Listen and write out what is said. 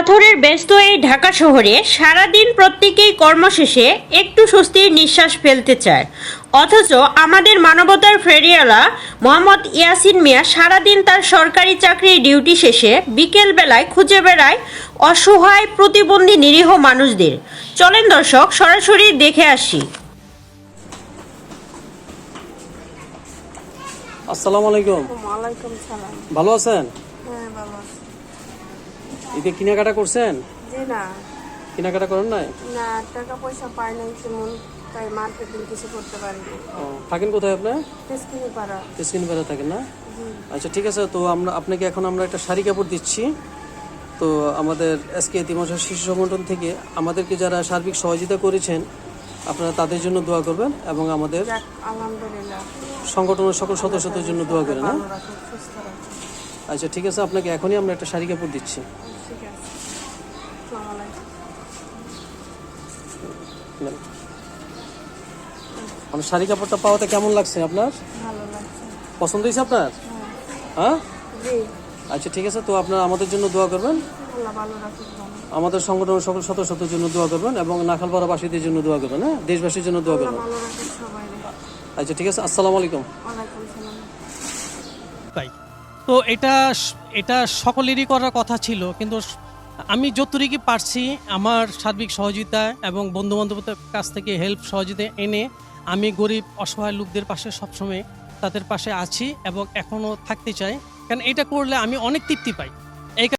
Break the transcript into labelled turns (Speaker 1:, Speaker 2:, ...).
Speaker 1: পাথরের ব্যস্ত এই ঢাকা শহরে সারাদিন প্রত্যেকেই কর্মশেষে একটু স্বস্তির নিঃশ্বাস ফেলতে চায়, অথচ আমাদের মানবতার ফেরিওয়ালা মোহাম্মদ ইয়াসিন মিয়া সারাদিন তার সরকারি চাকরির ডিউটি শেষে বিকেল বেলায় খুঁজে বেড়ায় অসহায় প্রতিবন্ধী নিরীহ মানুষদের। চলেন দর্শক সরাসরি দেখে আসি।
Speaker 2: আসসালামু আলাইকুম।
Speaker 3: ওয়ালাইকুম সালাম।
Speaker 2: ভালো আছেন?
Speaker 3: হ্যাঁ, ভালো আছি।
Speaker 2: ঈদে কেনাকাটা করছেন?
Speaker 3: জি না,
Speaker 2: কেনাকাটা করেন নাই?
Speaker 3: না টাকা পয়সা পাই নাই তেমন, তাই মার্কেটিং কিছু করতে পারিনি।
Speaker 2: ও, থাকেন কোথায় আপনি?
Speaker 3: তেজকিনি পাড়া।
Speaker 2: স্ক্রিনবারে থাকেন না?
Speaker 3: জি।
Speaker 2: আচ্ছা ঠিক আছে, তো আপনাকে এখন আমরা একটা শাড়ি কাপড় দিচ্ছি। তো আমাদের এসকে এতিমশা শিশু সংগঠন থেকে আমাদেরকে যারা সার্বিক সহযোগিতা করেছেন আপনারা তাদের জন্য দোয়া করবেন এবং আমাদের
Speaker 3: যাক, আলহামদুলিল্লাহ।
Speaker 2: সংগঠনের সকল সদস্যদের জন্য দোয়া করেন। হ্যাঁ,
Speaker 3: ভালো রাখুন, সুস্থ রাখুন।
Speaker 2: আচ্ছা ঠিক আছে, আপনাকে এখনই আমরা একটা শাড়ি কাপড় দিচ্ছি।
Speaker 3: ঠিক আছে। আসসালামু আলাইকুম।
Speaker 2: নেন। আমার শাড়ি কাপড়টা পাওয়াতে কেমন লাগছে আপনার?
Speaker 3: ভালো লাগছে।
Speaker 2: পছন্দ হয়েছে আপনার?
Speaker 3: হ্যাঁ।
Speaker 2: হ্যাঁ,
Speaker 3: জি।
Speaker 2: আচ্ছা ঠিক আছে, তো আপনারা আমাদের জন্য দোয়া করবেন,
Speaker 3: আল্লাহ ভালো রাখুন, ভালো।
Speaker 2: আমাদের সংগঠনের সকল সদস্যদের জন্য দোয়া করবেন এবং নাখালপাড়াবাসীদের জন্য দোয়া করবেন। হ্যাঁ, দেশবাসীর জন্য দোয়া
Speaker 3: আল্লাহ
Speaker 2: করবেন।
Speaker 3: ভালো রাখুন সবাই।
Speaker 2: আচ্ছা ঠিক আছে, আসসালামু আলাইকুম।
Speaker 3: ওয়ালাইকুম সালাম।
Speaker 4: তাই তো এটা এটা সকলেরই করার কথা ছিল, কিন্তু আমি যতটুকু পারছি আমার সার্বিক সহযোগিতা এবং বন্ধু বান্ধবদের কাছ থেকে হেল্প সহযোগিতা এনে আমি গরিব অসহায় লোকদের পাশে সবসময় তাদের পাশে আছি এবং এখনও থাকতে চাই, কারণ এটা করলে আমি অনেক তৃপ্তি পাই।